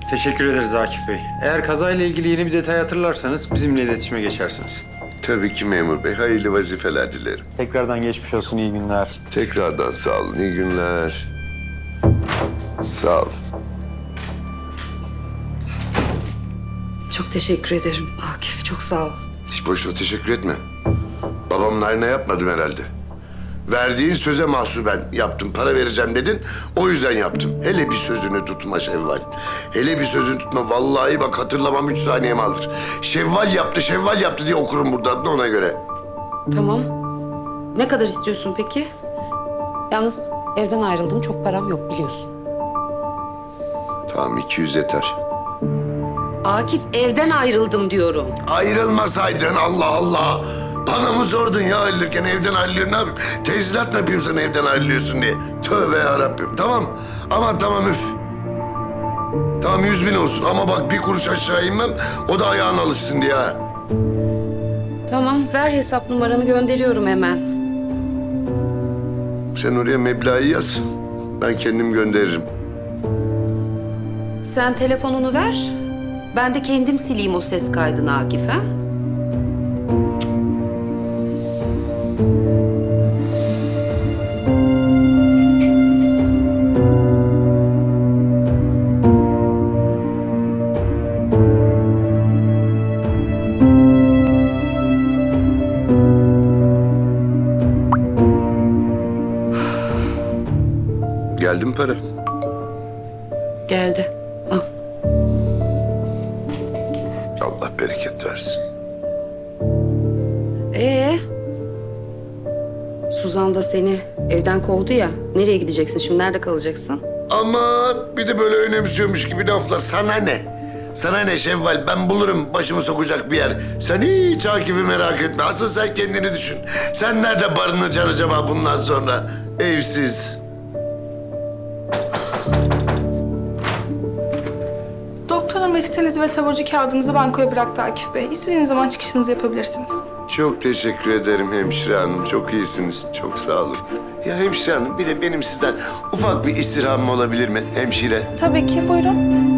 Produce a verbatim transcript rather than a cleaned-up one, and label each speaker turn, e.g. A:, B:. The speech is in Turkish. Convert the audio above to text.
A: Teşekkür ederiz Akif Bey. Eğer kazayla ilgili yeni bir detay hatırlarsanız bizimle iletişime geçersiniz.
B: Tabii ki memur bey. Hayırlı vazifeler dilerim.
A: Tekrardan geçmiş olsun, iyi günler.
B: Tekrardan sağ olun. İyi günler. Sağ olun.
C: Çok teşekkür ederim Akif, çok sağ ol.
B: Hiç boşuna teşekkür etme. Babamın hayrına yapmadım herhalde. Verdiğin söze mahsuben yaptım. Para vereceğim dedin. O yüzden yaptım. Hele bir sözünü tutma Şevval. Hele bir sözünü tutma. Vallahi bak hatırlamam üç saniyemi alır. Şevval yaptı, Şevval yaptı diye okurum burada adını ona göre.
C: Tamam. Ne kadar istiyorsun peki? Yalnız evden ayrıldım, çok param yok biliyorsun.
B: Tamam iki yüz yeter.
C: Akif, evden ayrıldım diyorum.
B: Ayrılmasaydın Allah Allah. Bana mı sordun ya ayrılırken evden ayrılıyor ne yapayım? Tezilat mı yapayım sana evden ayrılıyorsun diye? Tövbe yarabbim. Tamam. Aman tamam üf. Tamam yüz bin olsun ama bak bir kuruş aşağı inmem. O da ayağına alışsın diye ha.
C: Tamam, ver hesap numaranı, gönderiyorum hemen.
B: Sen oraya meblağı yaz. Ben kendim gönderirim.
C: Sen telefonunu ver. Ben de kendim sileyim o ses kaydını Akif, ha?
B: Geldi mi para?
C: Geldi. Al.
B: Allah bereket versin.
C: Ee, Suzan da seni evden kovdu ya. Nereye gideceksin şimdi? Nerede kalacaksın?
B: Aman bir de böyle önemsiyormuş gibi laflar. Sana ne? Sana ne Şevval? Ben bulurum başımı sokacak bir yer. Sen hiç Akif'i merak etme. Asıl sen kendini düşün. Sen nerede barınacaksın acaba bundan sonra? Evsiz.
D: Doktorun reçetenizi ve taburcu kağıdınızı bankoya bıraktı Akif Bey. İstediğiniz zaman çıkışınızı yapabilirsiniz.
B: Çok teşekkür ederim hemşire hanım. Çok iyisiniz. Çok sağ olun. Ya hemşire hanım bir de benim sizden ufak bir istirhamım olabilir mi hemşire?
D: Tabii ki, buyurun.